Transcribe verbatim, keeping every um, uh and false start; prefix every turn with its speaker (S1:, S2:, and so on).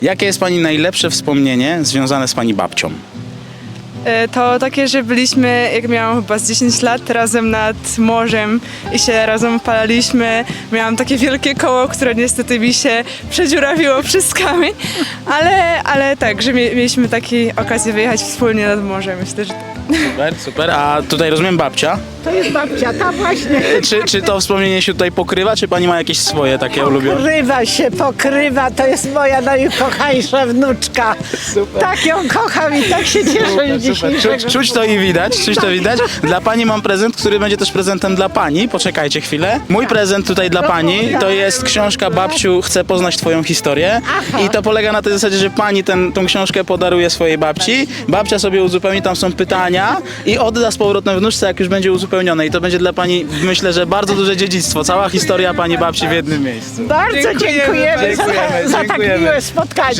S1: Jakie jest pani najlepsze wspomnienie związane z pani babcią?
S2: E, To takie, że byliśmy, jak miałam chyba z dziesięć lat, razem nad morzem i się razem opalaliśmy. Miałam takie wielkie koło, które niestety mi się przedziurawiło przez kamień, ale, ale tak, że mie- mieliśmy taką okazję wyjechać wspólnie nad morze. Myślę, że
S1: Super, super. A tutaj rozumiem babcia.
S3: To jest babcia, ta właśnie.
S1: Czy, czy to wspomnienie się tutaj pokrywa, czy pani ma jakieś swoje takie ulubione?
S3: Pokrywa się, pokrywa, to jest moja najukochańsza wnuczka. Tak ją kocham i tak się cieszę z
S1: Super.
S3: dzisiejszego.
S1: Czuć, czuć to i widać, czuć to widać. Dla pani mam prezent, który będzie też prezentem dla pani. Poczekajcie chwilę. Mój prezent tutaj dla pani to jest książka Babciu, chcę poznać twoją historię. I to polega na tej zasadzie, że pani ten, tą książkę podaruje swojej babci. Babcia sobie uzupełni, tam są pytania i odda z powrotem wnuczce, jak już będzie uzupełnione. I to będzie dla pani, myślę, że bardzo duże dziedzictwo. Cała historia pani babci w jednym miejscu.
S3: Bardzo
S2: Dziękujemy,
S3: dziękujemy,
S1: dziękujemy,
S3: za, za tak
S1: dziękujemy.
S3: miłe spotkanie.